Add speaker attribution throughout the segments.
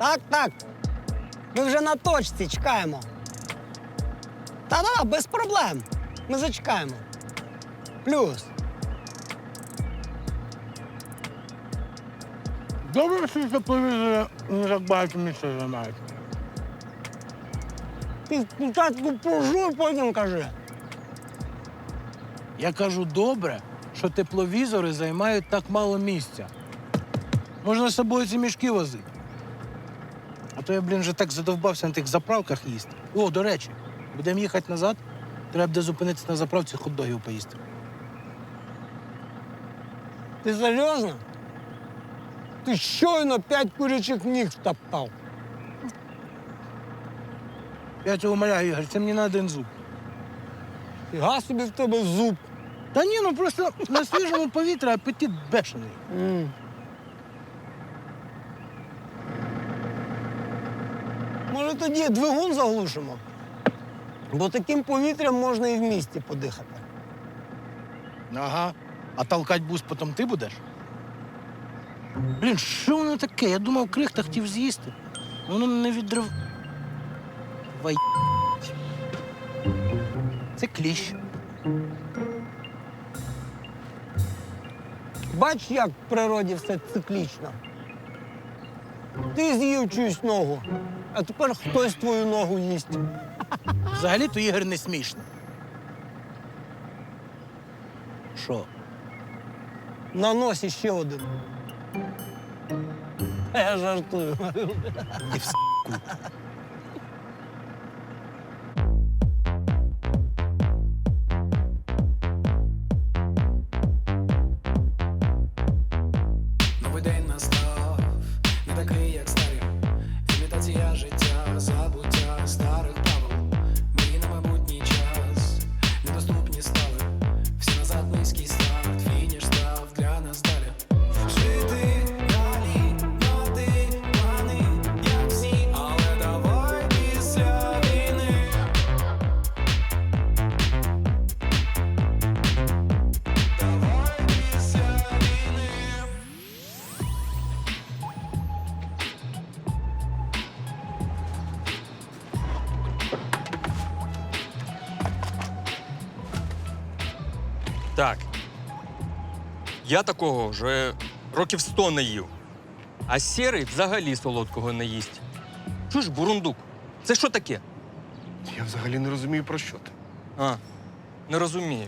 Speaker 1: Так. Ми вже на точці чекаємо. Та-да, без проблем. Ми зачекаємо. Плюс.
Speaker 2: Добре, що тепловізори не так багато місця займають.
Speaker 1: Ти спочатку пожуй, потім кажи.
Speaker 2: Я кажу, добре, що тепловізори займають так мало місця. Можна з собою ці мішки возити. А то я, вже так задовбався на тих заправках їсти. О, до речі, будемо їхати назад, треба буде зупинитися на заправці, хот-догів поїсти.
Speaker 1: Ти серйозно? Ти щойно 5 курячих ніг втоптав.
Speaker 2: Я цього умоляю, Ігор, це мені на один зуб.
Speaker 1: Фіга собі в тебе зуб.
Speaker 2: Та ні, ну просто на свіжому повітрі апетит бешений.
Speaker 1: Може, тоді двигун заглушимо? Бо таким повітрям можна і в місті подихати.
Speaker 2: Ага. А толкать бус потім ти будеш? Що воно таке? Я думав, крихта хотів з'їсти. Воно не відрив... Вай... Це кліщ.
Speaker 1: Бач, як в природі все циклічно. Ти з'їв чиюсь ногу, а тепер хтось твою ногу їсть.
Speaker 2: Взагалі-то Ігор не смішно. Що?
Speaker 1: На носі ще один. Я жартую.
Speaker 2: І в
Speaker 3: Новий день настав, не такий, як старі. Імітація життя, забуття старих правил. Мрії на майбутній час, недоступні стали. Всі назад низький старт, фініш став для нас далі. Жити далі, мати плани, як всі, але давай після війни. Давай після війни.
Speaker 4: Так. Я такого вже років 100 не їв. А сірий взагалі солодкого не їсть. Чуєш, бурундук, це що таке?
Speaker 5: Я взагалі не розумію, про що ти.
Speaker 4: А, не розумію.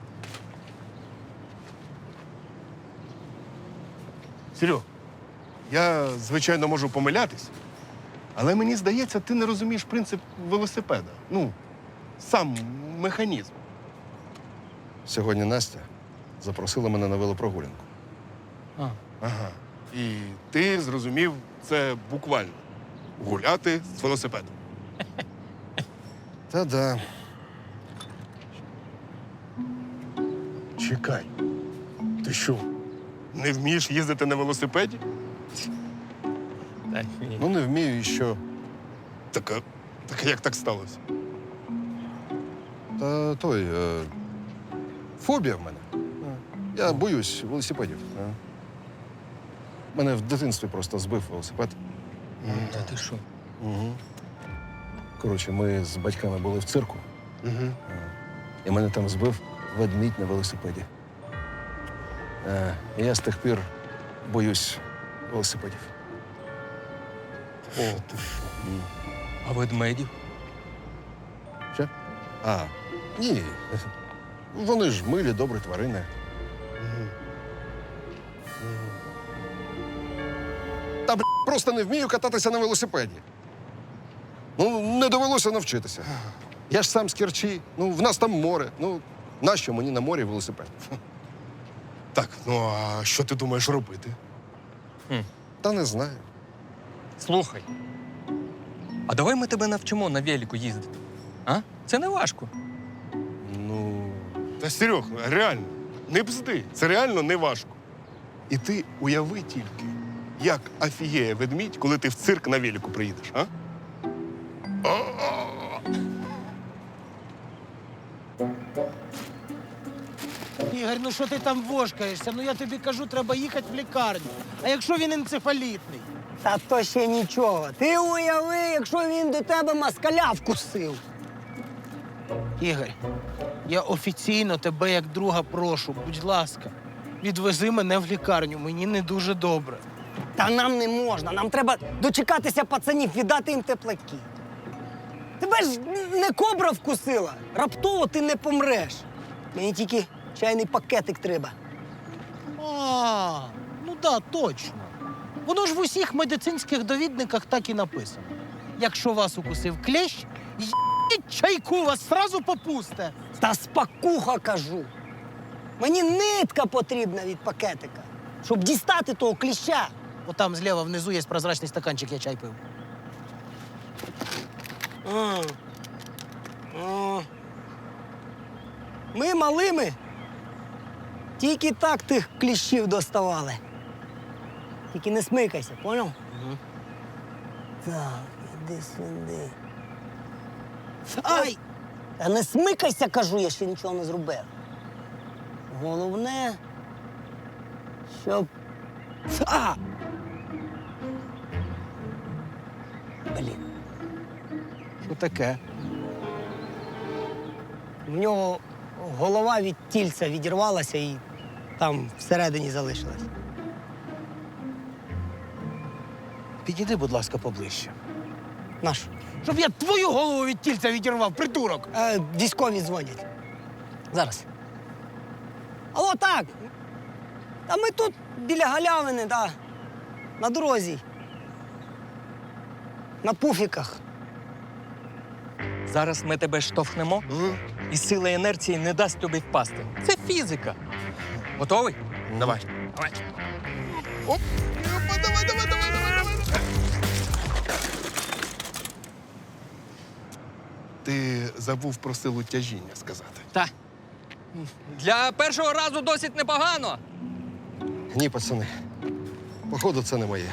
Speaker 5: Серьо, я, звичайно, можу помилятись, але мені здається, ти не розумієш принцип велосипеда. Ну, сам механізм.
Speaker 6: Сьогодні Настя запросила мене на велопрогулянку.
Speaker 5: Ага. І ти зрозумів це буквально. Гуляти з велосипедом.
Speaker 6: Та-да.
Speaker 5: Чекай. Ти що, не вмієш їздити на велосипеді?
Speaker 4: Та ні.
Speaker 6: Ну, не вмію і що.
Speaker 5: Так як так сталося?
Speaker 6: Та фобія в мене. Я боюсь велосипедів. Мене в дитинстві просто збив велосипед.
Speaker 4: Та ти що?
Speaker 6: Угу. Коротше, ми з батьками були в цирку,
Speaker 5: Угу.
Speaker 6: і мене там збив ведмідь на велосипеді. І я з тих пір боюсь велосипедів.
Speaker 5: О, ти що?
Speaker 4: А ведмедів?
Speaker 6: Що? А, ні. Вони ж милі, добрі тварини. Та, просто не вмію кататися на велосипеді. Ну, не довелося навчитися. Я ж сам з Керчі. Ну, в нас там море. Ну, нащо мені на морі велосипед?
Speaker 5: Так, ну а що ти думаєш робити?
Speaker 6: Та не знаю.
Speaker 4: Слухай. А давай ми тебе навчимо на велику їздити. А? Це не важко.
Speaker 6: Ну,
Speaker 5: Та, Серьох, реально, не бзди. Це реально не важко. І ти уяви тільки, як офігеє ведмідь, коли ти в цирк на велику приїдеш, а?
Speaker 2: Ігор, ну що ти там вошкаєшся? Ну я тобі кажу, треба їхати в лікарню. А якщо він енцефалітний?
Speaker 1: Та то ще нічого. Ти уяви, якщо він до тебе москаля вкусив.
Speaker 2: Ігор, я офіційно тебе як друга прошу, будь ласка, відвези мене в лікарню, мені не дуже добре.
Speaker 1: Та нам не можна. Нам треба дочекатися пацанів, віддати їм теплаки. Тебе ж не кобра вкусила. Раптово ти не помреш. Мені тільки чайний пакетик треба.
Speaker 2: А, ну да, точно. Воно ж в усіх медицинських довідниках так і написано. Якщо вас укусив клещ, їдь чайку, вас сразу попусте.
Speaker 1: Та спакуха кажу. Мені нитка потрібна від пакетика, щоб дістати того кліща.
Speaker 2: Отам зліва внизу є прозрачний стаканчик, я чай пив.
Speaker 1: А. А. Ми малими тільки так тих кліщів доставали. Тільки не смикайся, поняв?
Speaker 2: Угу.
Speaker 1: Так, іди сюди. Ай! Та не смикайся, кажу, я ще нічого не зробив. Головне, щоб. А! Блін.
Speaker 2: Що таке?
Speaker 1: В нього голова від тільця відірвалася і там всередині залишилась.
Speaker 2: Підійди, будь ласка, поближче.
Speaker 1: Наш.
Speaker 2: Щоб я твою голову від тільця відірвав, придурок!
Speaker 1: Військові дзвонять. Зараз. Алло, так. Та ми тут біля галявини, да. На дорозі. На пуфіках.
Speaker 4: Зараз ми тебе штовхнемо, і сила інерції не дасть тобі впасти. Це фізика. Готовий?
Speaker 5: Давай.
Speaker 4: Давай.
Speaker 5: Оп! Опа, давай, давай, давай, давай, давай. Ти забув про силу тяжіння сказати.
Speaker 4: Та. Для першого разу досить непогано.
Speaker 6: Ні, пацани. Походу, це не моє.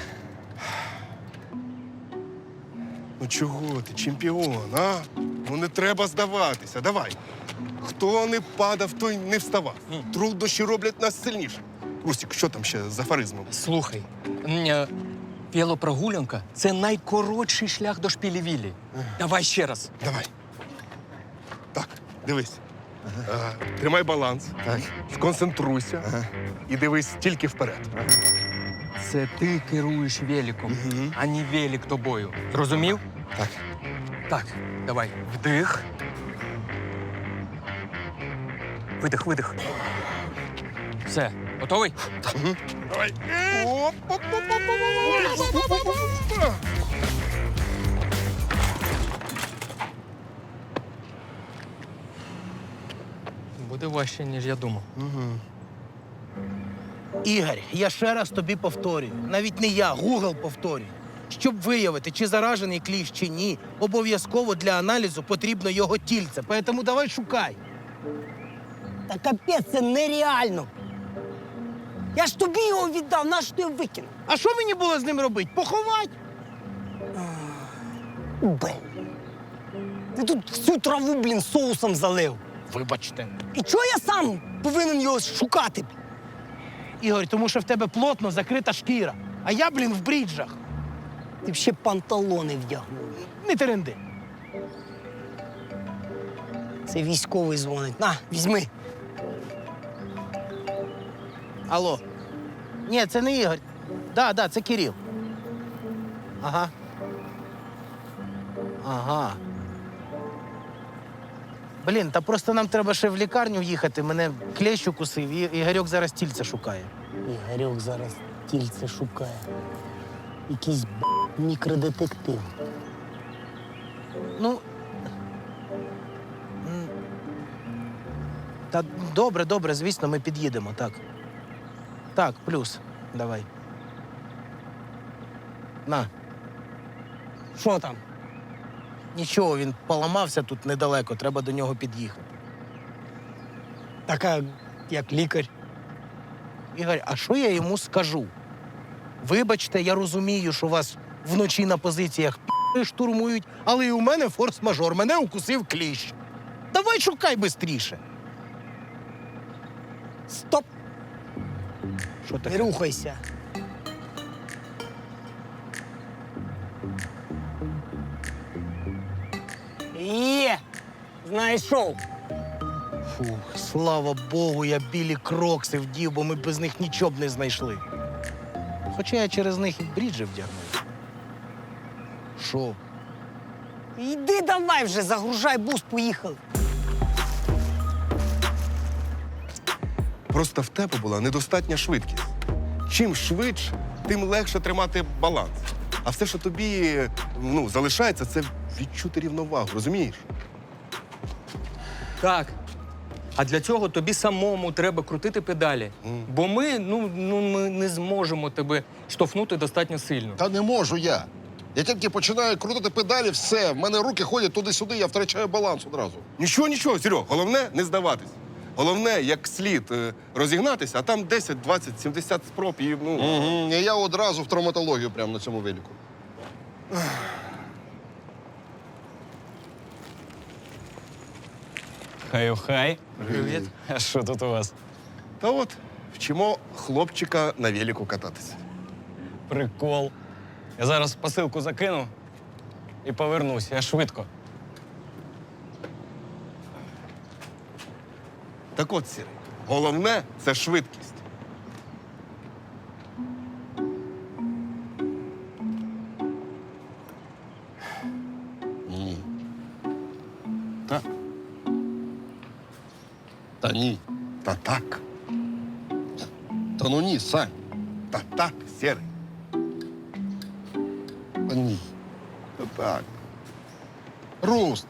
Speaker 5: Ну чого ти, чемпіон, а? Ну не треба здаватися. Давай. Хто не падав, той не вставав. Труднощі роблять нас сильніше. Рустік, що там ще з афоризмом?
Speaker 4: Слухай, велопрогулянка – це найкоротший шлях до шпілі-віллі. Давай ще раз.
Speaker 5: Давай. Так, дивись. Тримай баланс,
Speaker 6: Так.
Speaker 5: сконцентруйся і дивись тільки вперед.
Speaker 4: Це ти керуєш великом, а не велик тобою. Зрозумів?
Speaker 6: Так.
Speaker 4: Так, давай. Вдих. Видих, видих. Все, готовий?
Speaker 5: Давай. Оп, оп, оп, оп, оп, оп, оп, оп.
Speaker 4: Буде важче, ніж я думав.
Speaker 2: Ігор, я ще раз тобі повторюю. Навіть не я, Гугл повторює. Щоб виявити, чи заражений кліщ, чи ні, обов'язково для аналізу потрібно його тільце. Тому давай шукай.
Speaker 1: Та капець, це нереально. Я ж тобі його віддав, нащо ти його викинув?
Speaker 2: А що мені було з ним робити? Поховати?
Speaker 1: Блін. Ти тут всю траву, блін, соусом залив.
Speaker 2: Вибачте.
Speaker 1: І чого я сам повинен його шукати?
Speaker 2: Ігор, тому що в тебе плотно закрита шкіра. А я, блін, в бріджах.
Speaker 1: Ти б ще панталони вдягнув.
Speaker 2: Не теренди.
Speaker 1: Це військовий дзвонить. На, візьми.
Speaker 2: Алло. Ні, це не Ігор. Да, це Кирил. Ага. Ага. Блін, та просто нам треба ще в лікарню їхати. Мене клещ укусив, і Ігорьок зараз тільце шукає.
Speaker 1: Ігорьок зараз тільце шукає. Якийсь мікродетектив.
Speaker 2: Ну. Та добре, звісно, ми під'їдемо, так. Так, плюс. Давай. На.
Speaker 1: Що там?
Speaker 2: Нічого, він поламався тут недалеко, треба до нього під'їхати.
Speaker 1: Така, як лікар.
Speaker 2: Ігор, а що я йому скажу? Вибачте, я розумію, що вас вночі на позиціях штурмують, але і у мене форс-мажор, мене укусив кліщ. Давай шукай бистріше.
Speaker 1: Стоп!
Speaker 2: Що
Speaker 1: Не
Speaker 2: таке?
Speaker 1: рухайся. Є! Знайшов.
Speaker 2: Фух, слава Богу, я білі крокси вдів, бо ми без них нічого б не знайшли. Хоча я через них і бріджі вдягнув. Що?
Speaker 1: Йди давай вже, загружай бус, поїхали.
Speaker 5: Просто в тебе була недостатня швидкість. Чим швидше, тим легше тримати баланс. А все, що тобі залишається, це відчути рівновагу, розумієш?
Speaker 4: Так. А для цього тобі самому треба крутити педалі. Бо ми не зможемо тебе штовхнути достатньо сильно.
Speaker 6: Та не можу я. Я тільки починаю крутити педалі, все. В мене руки ходять туди-сюди, я втрачаю баланс одразу.
Speaker 5: Нічого, Серьог, головне не здаватись. Головне, як слід розігнатися, а там 10, 20, 70 спроб і
Speaker 6: І я одразу в травматологію прямо на цьому велику.
Speaker 7: Хай-хай.
Speaker 4: Привіт.
Speaker 7: А що тут у вас?
Speaker 5: Та от вчимо хлопчика на велику кататися.
Speaker 7: Прикол. Я зараз посилку закину і повернусь. Я швидко.
Speaker 5: Так от, Сірий, головне це швидкість.
Speaker 6: Ні. Так. Та ні.
Speaker 5: Та так,
Speaker 6: Та ну ні, Сань.
Speaker 5: та так, Сірий,
Speaker 6: Та ні.
Speaker 5: та так.
Speaker 6: Руст.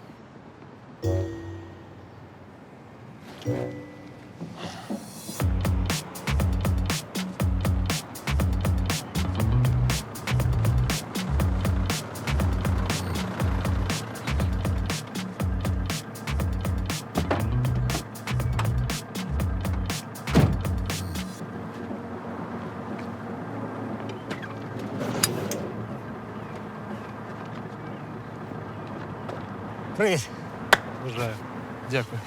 Speaker 1: Привіт.
Speaker 2: Бажаю. Дякую.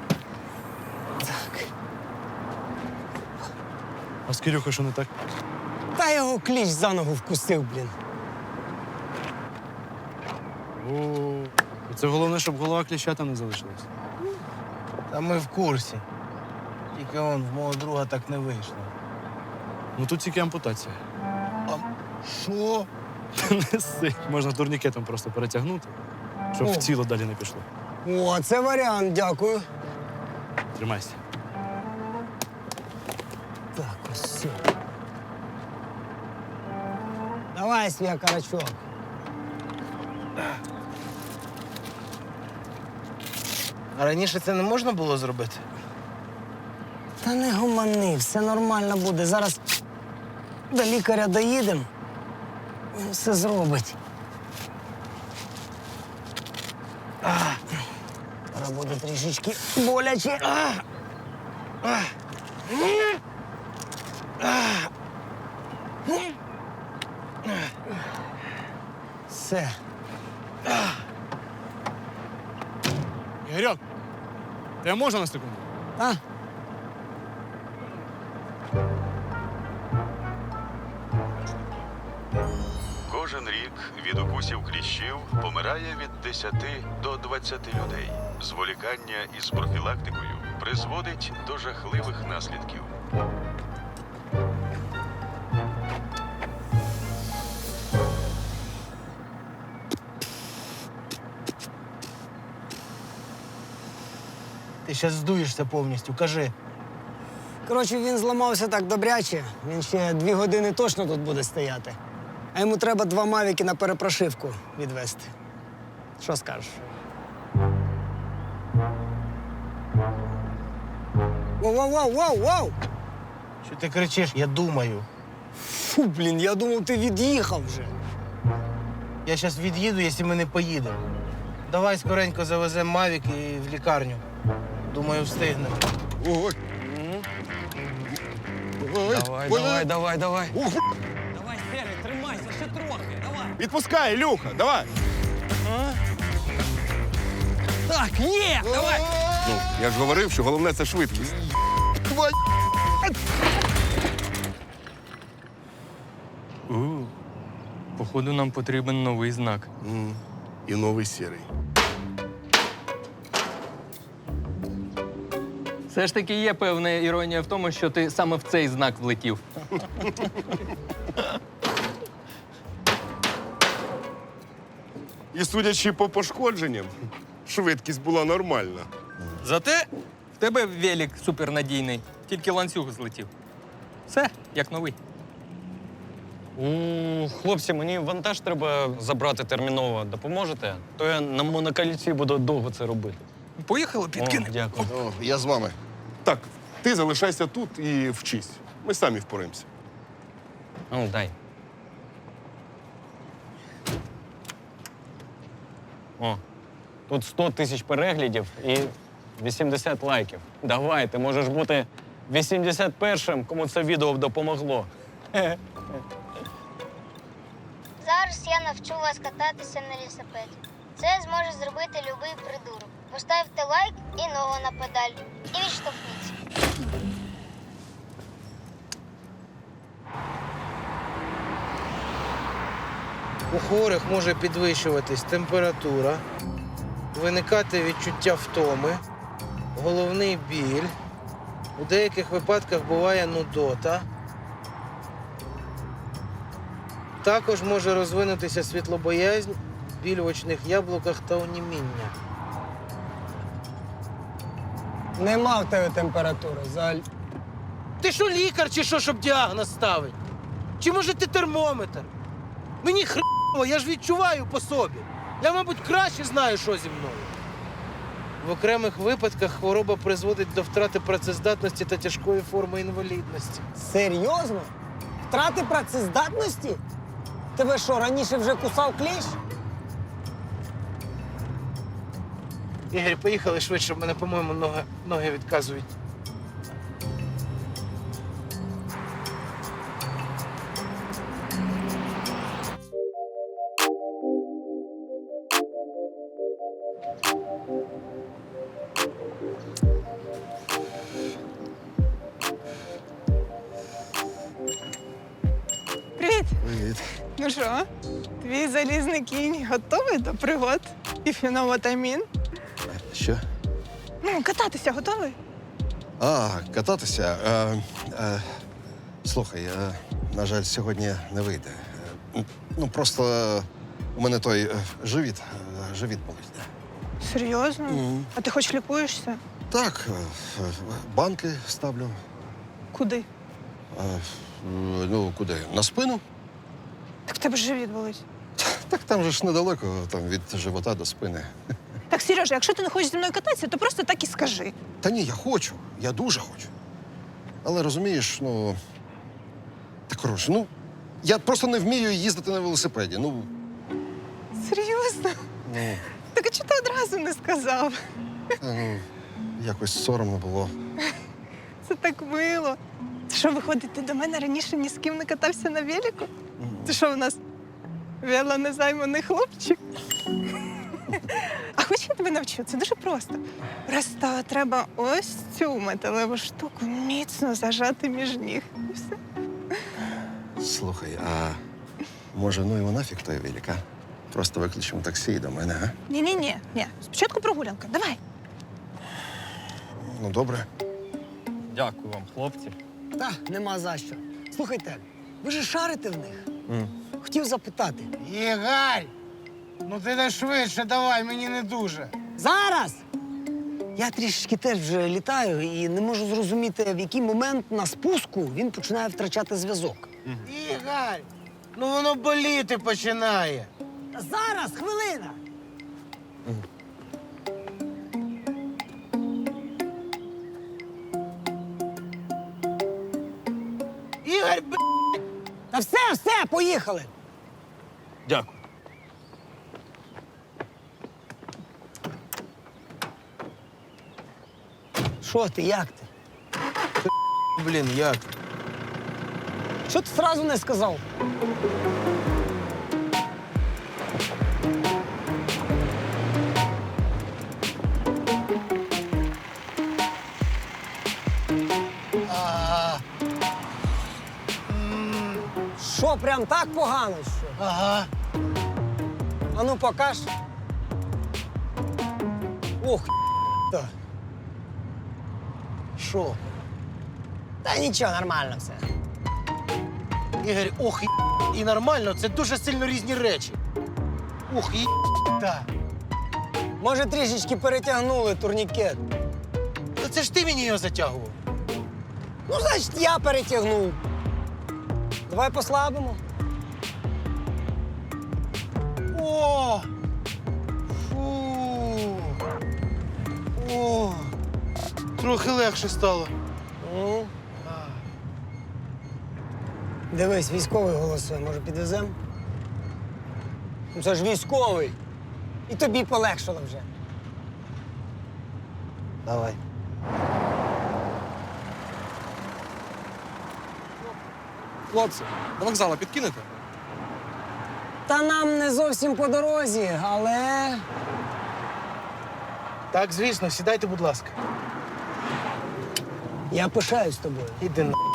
Speaker 1: Так.
Speaker 2: А з Кирюхою що не так?
Speaker 1: Та його кліщ за ногу вкусив, блін.
Speaker 8: О, це головне, щоб голова кліщата не залишилась.
Speaker 2: Та ми в курсі. Тільки он в мого друга так не вийшло.
Speaker 8: Ну тут тільки ампутація.
Speaker 2: Що?
Speaker 8: Не сик. Можна турнікетом просто перетягнути, щоб
Speaker 1: О.
Speaker 8: в тіло далі не пішло.
Speaker 1: О, це варіант, дякую.
Speaker 8: Тримайся.
Speaker 1: Так, ось все. Давай, свій карачок.
Speaker 2: А раніше це не можна було зробити?
Speaker 1: Та не гумани, все нормально буде. Зараз до лікаря доїдемо. Він все зробить. Зараз буде трішечки боляче. Все.
Speaker 8: Ігорьок, тебе можна на секунду?
Speaker 1: А?
Speaker 9: Кожен рік від укусів кліщів помирає від 10 до 20 людей. Зволікання із профілактикою призводить до жахливих наслідків.
Speaker 2: Ти зараз здуєшся повністю, кажи.
Speaker 1: Коротше, він зламався так добряче. Він ще 2 години точно тут буде стояти. А йому треба 2 мавіки на перепрошивку відвести. Що скажеш? Воу-воу-воу-воу-воу!
Speaker 2: Що ти кричиш? Я думаю.
Speaker 1: Фу, блін, я думав, ти від'їхав вже.
Speaker 2: Я зараз від'їду, якщо ми не поїдемо. Давай скоренько завеземо Мавік і в лікарню. Думаю, встигнемо.
Speaker 6: Ой. Ой.
Speaker 7: Давай.
Speaker 4: Давай, Сергій, тримайся, ще трохи, давай.
Speaker 5: Відпускай, Ілюха, давай.
Speaker 4: Так, є, давай.
Speaker 5: Ну, я ж говорив, що головне це швидкість.
Speaker 4: Походу, нам потрібен новий знак.
Speaker 5: І новий сірий.
Speaker 4: Все ж таки є певна іронія в тому, що ти саме в цей знак влетів.
Speaker 5: І судячи по пошкодженням, швидкість була нормальна.
Speaker 4: Зате в тебе велик супернадійний, тільки ланцюг злетів. Все, як новий.
Speaker 7: Хлопці, мені вантаж треба забрати терміново. Допоможете? То я на монокольці буду довго це робити.
Speaker 4: Поїхали, підкинемо.
Speaker 7: Дякую.
Speaker 6: О, я з вами.
Speaker 5: Так, ти залишайся тут і вчись. Ми самі впораємося.
Speaker 7: Ну, дай. О, тут 100 тисяч переглядів і 80 лайків. Давай, ти можеш бути 81-м, кому це відео б допомогло.
Speaker 10: Зараз я навчу вас кататися на велосипеді. Це зможе зробити любий придурок. Поставте лайк і ногу на педаль. І відштовхніться.
Speaker 2: У хворих може підвищуватись температура, виникати відчуття втоми, головний біль. У деяких випадках буває нудота. Також може розвинутися світлобоязнь, біль в очних яблуках та оніміння.
Speaker 1: Нема в тебе температури, Заль.
Speaker 2: Ти що, лікар чи що, щоб діагноз ставити? Чи може ти термометр? Мені хреново, я ж відчуваю по собі. Я, мабуть, краще знаю, що зі мною. В окремих випадках хвороба призводить до втрати працездатності та тяжкої форми інвалідності.
Speaker 1: Серйозно? Втрати працездатності? Тебе що, раніше вже кусав кліщ?
Speaker 2: Ігор, поїхали швидше, в мене, по-моєму, ноги відказують.
Speaker 11: Привіт!
Speaker 6: Привіт.
Speaker 11: Ну що, твій залізний кінь готовий до пригод? І феномотамін?
Speaker 6: Що?
Speaker 11: Ну, кататися готовий?
Speaker 6: А, кататися. Слухай, на жаль, сьогодні не вийде. Ну, просто у мене той живіт болить.
Speaker 11: Серйозно? А ти хоч лікуєшся?
Speaker 6: Так, банки ставлю.
Speaker 11: Куди?
Speaker 6: Ну, куди? На спину?
Speaker 11: Так в тебе ж живіт болить.
Speaker 6: Так там же ж недалеко, там від живота до спини.
Speaker 11: Так, Сережа, якщо ти не хочеш зі мною кататися, то просто так і скажи.
Speaker 6: Та ні, я хочу, я дуже хочу. Але розумієш, ну. Та коротше, ну, я просто не вмію їздити на велосипеді. Ну,
Speaker 11: Серйозно?
Speaker 6: ну,
Speaker 11: Так а чого ти одразу не сказав?
Speaker 6: ну якось соромно було.
Speaker 11: Це так мило. Це що, виходить, ти до мене раніше ні з ким не катався на велику? Це що у нас велонезайманий хлопчик? А хоч я тебе навчу, це дуже просто. Просто треба ось цю металеву штуку міцно зажати між ніг. І все.
Speaker 6: Слухай, а може, ну його нафіг той велик, а? Просто викличемо таксі і до мене, а?
Speaker 11: Ні. Спочатку прогулянка. Давай.
Speaker 6: Ну, добре.
Speaker 4: Дякую вам, хлопці.
Speaker 1: Та, нема за що. Слухайте, ви ж шарите в них. Хотів запитати.
Speaker 2: Ігор! Ну ти не швидше, давай, мені не дуже.
Speaker 1: Зараз! Я трішки теж вже літаю і не можу зрозуміти, в який момент на спуску він починає втрачати зв'язок.
Speaker 2: Ігор! Ну воно боліти починає.
Speaker 1: Зараз, хвилина!
Speaker 2: Ігор,
Speaker 1: Та все, поїхали!
Speaker 4: Дякую.
Speaker 1: Що ти, як ти?
Speaker 2: блін, як?
Speaker 1: Що ти одразу не сказав? Що, прям так погано, що?
Speaker 2: Ага.
Speaker 1: А ну покаж. Ох, та.
Speaker 2: Що?
Speaker 1: Та нічого, нормально все.
Speaker 2: Ігор, ох, і нормально, це дуже сильно різні речі. Ух, і та.
Speaker 1: Може, трішечки перетягнули турнікет.
Speaker 2: Та це ж ти мені його затягував.
Speaker 1: Ну, значить, я перетягнув. Давай послабимо.
Speaker 2: О! Фу. О! Трохи легше стало.
Speaker 1: Ну. Дивись, військовий голосує, може підвеземо? Ну, це ж військовий. І тобі полегшало вже. Давай.
Speaker 8: Хлопці, до вокзалу підкинете?
Speaker 1: Та нам не зовсім по дорозі, але.
Speaker 2: Так, звісно, сідайте, будь ласка.
Speaker 1: Я пишаюсь тобою.
Speaker 2: Іди на.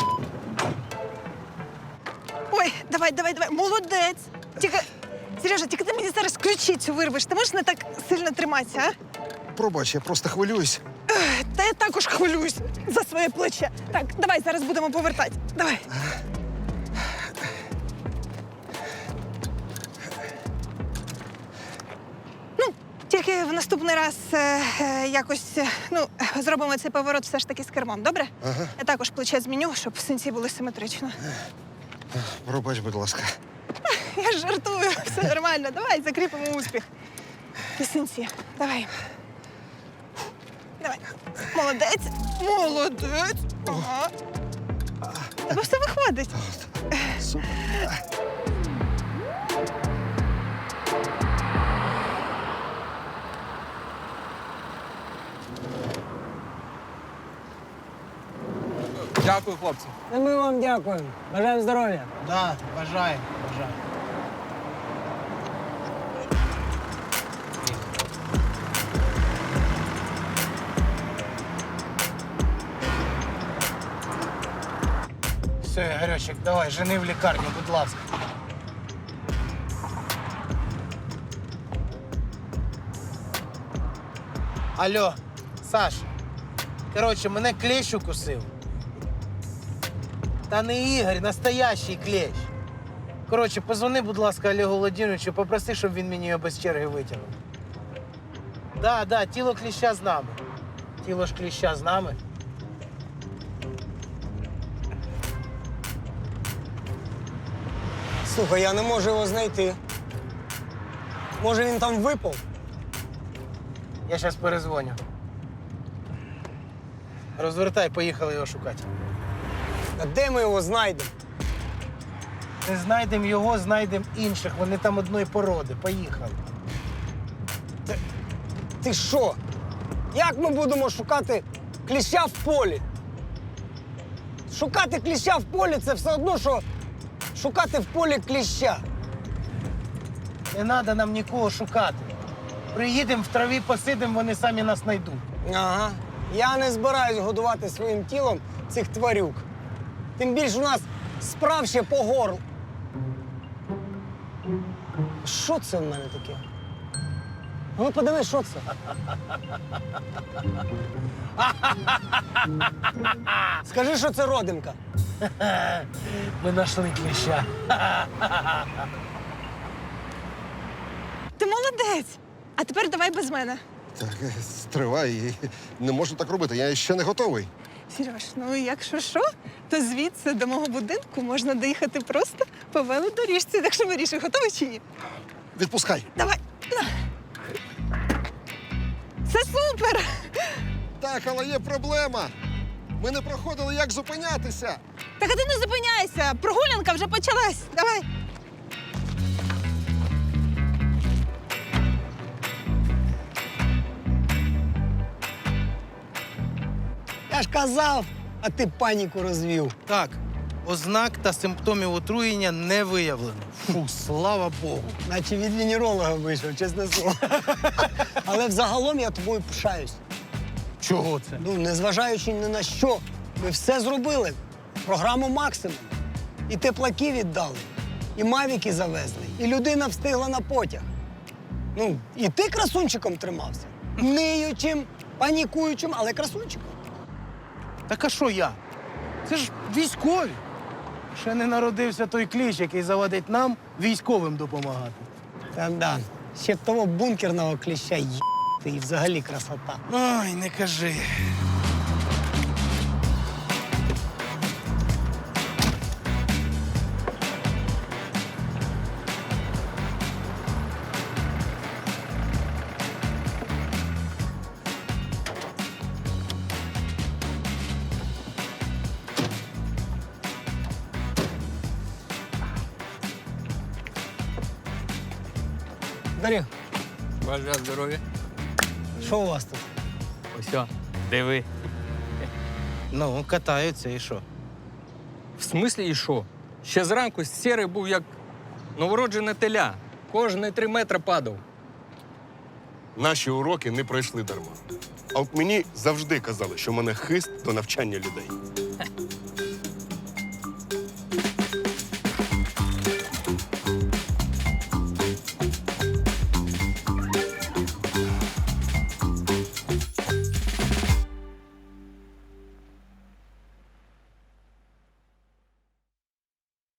Speaker 11: Ой, давай, молодець. Тільки, Сережа, тільки ти мені зараз ключицю вирвеш. Ти можеш не так сильно триматися, а?
Speaker 6: Пробач, я просто хвилююсь.
Speaker 11: Та я також хвилююсь за своє плече. Так, давай, зараз будемо повертати. Давай. Ну, тільки в наступний раз якось зробимо цей поворот все ж таки з кермом, добре?
Speaker 6: Ага.
Speaker 11: Я також плече зміню, щоб синці були симетрично.
Speaker 6: Пробач, будь ласка.
Speaker 11: Я ж жартую, все нормально. Давай закріпимо успіх. І синці. Давай. Давай. Молодець. Молодець. Ага. Тебе все виходить.
Speaker 6: Супер.
Speaker 8: Дякую, хлопці.
Speaker 1: І ми вам дякуємо. Бажаємо здоров'я.
Speaker 2: Да, бажаємо, бажаємо. Все, Ігорьочек, давай, жени в лікарню, будь ласка. Алло, Саш. Коротше, мене клещ укусив. Та не Ігор, настоящий клещ. Коротше, позвони, будь ласка, Олегу Володимировичу, попроси, щоб він мені його без черги витягнув. Да, тіло кліща з нами. Тіло ж кліща з нами.
Speaker 1: Слухай, я не можу його знайти. Може, він там випав?
Speaker 2: Я зараз перезвоню. Розвертай, поїхали його шукати.
Speaker 1: А де ми його знайдемо?
Speaker 2: Не знайдемо його, знайдемо інших. Вони там одної породи. Поїхали.
Speaker 1: Ти що? Як ми будемо шукати кліща в полі? Шукати кліща в полі це все одно, що шукати в полі кліща.
Speaker 2: Не треба нам нікого шукати. Приїдемо в траві, посидимо, вони самі нас знайдуть.
Speaker 1: Ага. Я не збираюсь годувати своїм тілом цих тварюк. Тим більше у нас справ ще по горлу. Що це в мене таке? Ну, подивись, що це? Скажи, що це родинка.
Speaker 2: Ми знайшли кліща.
Speaker 11: Ти молодець. А тепер давай без мене.
Speaker 6: Так, стривай. Не можу так робити, я ще не готовий.
Speaker 11: Сереж, ну якщо що, то звідси до мого будинку можна доїхати просто по велодоріжці. Так що вирішуй, готовий чи ні?
Speaker 6: Відпускай.
Speaker 11: Давай. На. Це супер!
Speaker 6: Так, але є проблема. Ми не проходили, як зупинятися.
Speaker 11: Так а ти не зупиняйся! Прогулянка вже почалась. Давай.
Speaker 1: Я ж казав, а ти паніку розвів.
Speaker 2: Так, ознак та симптомів отруєння не виявлено. Фу, слава Богу.
Speaker 1: Наче від венеролога вийшов, чесне слово. Але взагалом я тобою пишаюсь.
Speaker 2: Чого це?
Speaker 1: Ну, незважаючи ні на що, ми все зробили. Програму максимум. І теплаки віддали, і мавіки завезли, і людина встигла на потяг. Ну, і ти красунчиком тримався. Ниючим, панікуючим, але красунчиком.
Speaker 2: Так а що я? Це ж військові. Ще не народився той кліщ, який завадить нам військовим допомагати.
Speaker 1: Та да, ще б того бункерного кліща їбати і взагалі красота.
Speaker 2: Ой, не кажи.
Speaker 1: Дар'я,
Speaker 4: Бажаю здоров'я.
Speaker 1: що у вас тут?
Speaker 4: Ось, диви.
Speaker 2: Ну, катаються і що?
Speaker 4: В смислі і що? Ще зранку сірий був як новороджене теля. Кожні 3 метри падав.
Speaker 5: Наші уроки не пройшли дарма. А от мені завжди казали, що в мене хист до навчання людей.